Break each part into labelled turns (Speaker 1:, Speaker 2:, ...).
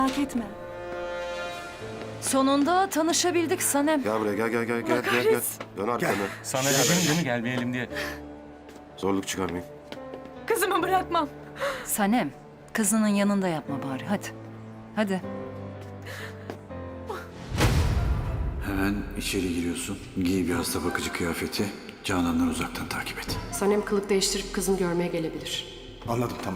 Speaker 1: Merak etme.
Speaker 2: Sonunda tanışabildik Sanem.
Speaker 3: Gel buraya gel. Dön arkanı.
Speaker 4: Sana dedim değil mi gelmeyelim diye.
Speaker 3: Zorluk çıkarmayın.
Speaker 1: Kızımı bırakmam.
Speaker 2: Sanem, kızının yanında yapma bari. Hadi. Hadi.
Speaker 5: Hemen içeri giriyorsun. Giy bir hasta bakıcı kıyafeti. Canan'dan uzaktan takip et.
Speaker 6: Sanem kılık değiştirip kızını görmeye gelebilir.
Speaker 7: Anladım, tamam.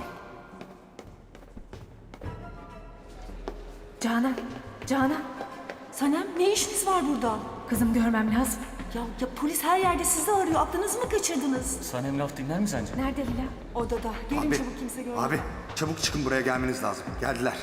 Speaker 1: Canan. Sanem, ne işiniz var burada? Kızım görmem lazım. Ya polis her yerde sizi arıyor. Aklınızı mı kaçırdınız?
Speaker 4: Sanem laf dinler mi sence?
Speaker 1: Nerede Lila? Odada. Gelin
Speaker 7: Abi,
Speaker 1: çabuk, kimse görmüyor.
Speaker 7: abi çabuk çıkın, buraya gelmeniz lazım. Geldiler.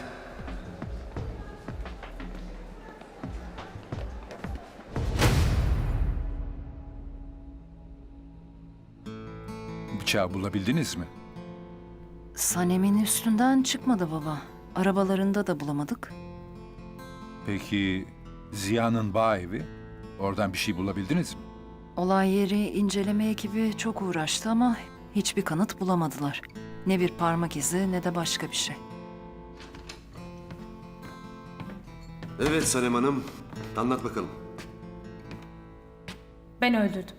Speaker 8: Bıçağı bulabildiniz mi?
Speaker 2: Sanem'in üstünden çıkmadı baba. Arabalarında da bulamadık.
Speaker 8: Peki Ziya'nın bağ evi? Oradan bir şey bulabildiniz mi?
Speaker 2: Olay yeri inceleme ekibi çok uğraştı ama hiçbir kanıt bulamadılar. Ne bir parmak izi ne de başka bir şey.
Speaker 3: Evet Sanem Hanım. Anlat bakalım.
Speaker 9: Ben öldürdüm.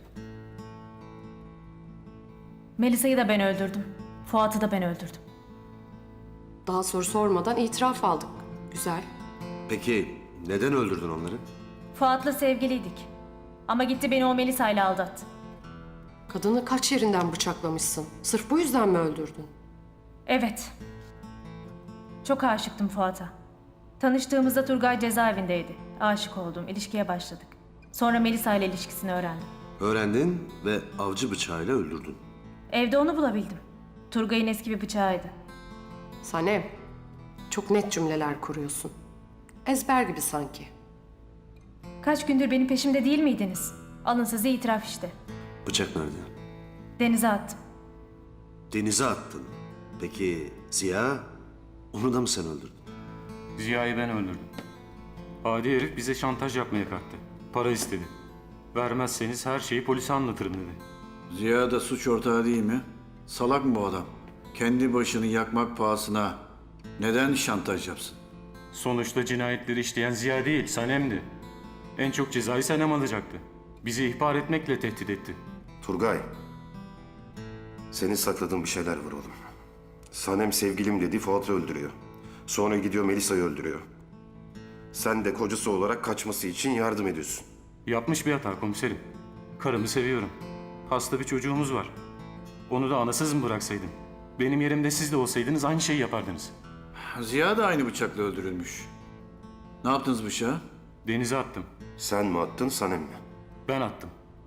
Speaker 9: Melisa'yı da ben öldürdüm. Fuat'ı da ben öldürdüm.
Speaker 6: Daha soru sormadan itiraf aldık. Güzel.
Speaker 3: Peki neden öldürdün onları?
Speaker 9: Fuat'la sevgiliydik. Ama gitti beni o Melisa'yla aldattı.
Speaker 6: Kadını kaç yerinden bıçaklamışsın? Sırf bu yüzden mi öldürdün?
Speaker 9: Evet. Çok aşıktım Fuat'a. Tanıştığımızda Turgay cezaevindeydi. Aşık oldum, ilişkiye başladık. Sonra Melisa ile ilişkisini öğrendim.
Speaker 3: Öğrendin ve avcı bıçağıyla öldürdün.
Speaker 9: Evde onu bulabildim. Turgay'ın eski bir bıçağıydı.
Speaker 6: Sanem, çok net cümleler kuruyorsun. Ezber gibi sanki.
Speaker 9: Kaç gündür benim peşimde değil miydiniz? Alın size itiraf işte.
Speaker 3: Bıçak nerede?
Speaker 9: Denize attım.
Speaker 3: Denize attın. Peki Ziya? Onu da mı sen öldürdün?
Speaker 4: Ziya'yı ben öldürdüm. Adi herif bize şantaj yapmaya kalktı. Para istedi. Vermezseniz her şeyi polise anlatırım dedi.
Speaker 5: Ziya da suç ortağı değil mi? Salak mı bu adam? Kendi başını yakmak pahasına neden şantaj yapsın?
Speaker 4: Sonuçta cinayetleri işleyen Ziya değil, Sanem'di. En çok cezayı Sanem alacaktı. Bizi ihbar etmekle tehdit etti.
Speaker 3: Turgay. Senin sakladığın bir şeyler var oğlum. Sanem sevgilim dedi, Fuat'ı öldürüyor. Sonra gidiyor Melisa'yı öldürüyor. Sen de kocası olarak kaçması için yardım ediyorsun.
Speaker 4: Yapmış bir hata komiserim. Karımı seviyorum. Hasta bir çocuğumuz var. Onu da anasız mı bıraksaydım? Benim yerimde siz de olsaydınız aynı şeyi yapardınız.
Speaker 5: Ziya da aynı bıçakla öldürülmüş. Ne yaptınız bıçağı?
Speaker 4: Denize attım.
Speaker 3: Sen mi attın, Sanem mi?
Speaker 4: Ben attım.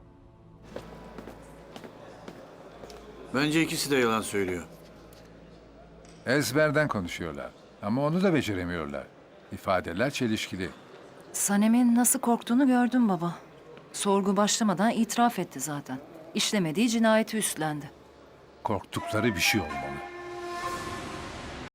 Speaker 5: Bence ikisi de yalan söylüyor.
Speaker 8: Ezberden konuşuyorlar. Ama onu da beceremiyorlar. İfadeler çelişkili.
Speaker 2: Sanem'in nasıl korktuğunu gördüm baba. Sorgu başlamadan itiraf etti zaten. İşlemediği cinayeti üstlendi.
Speaker 8: Korktukları bir şey olmalı.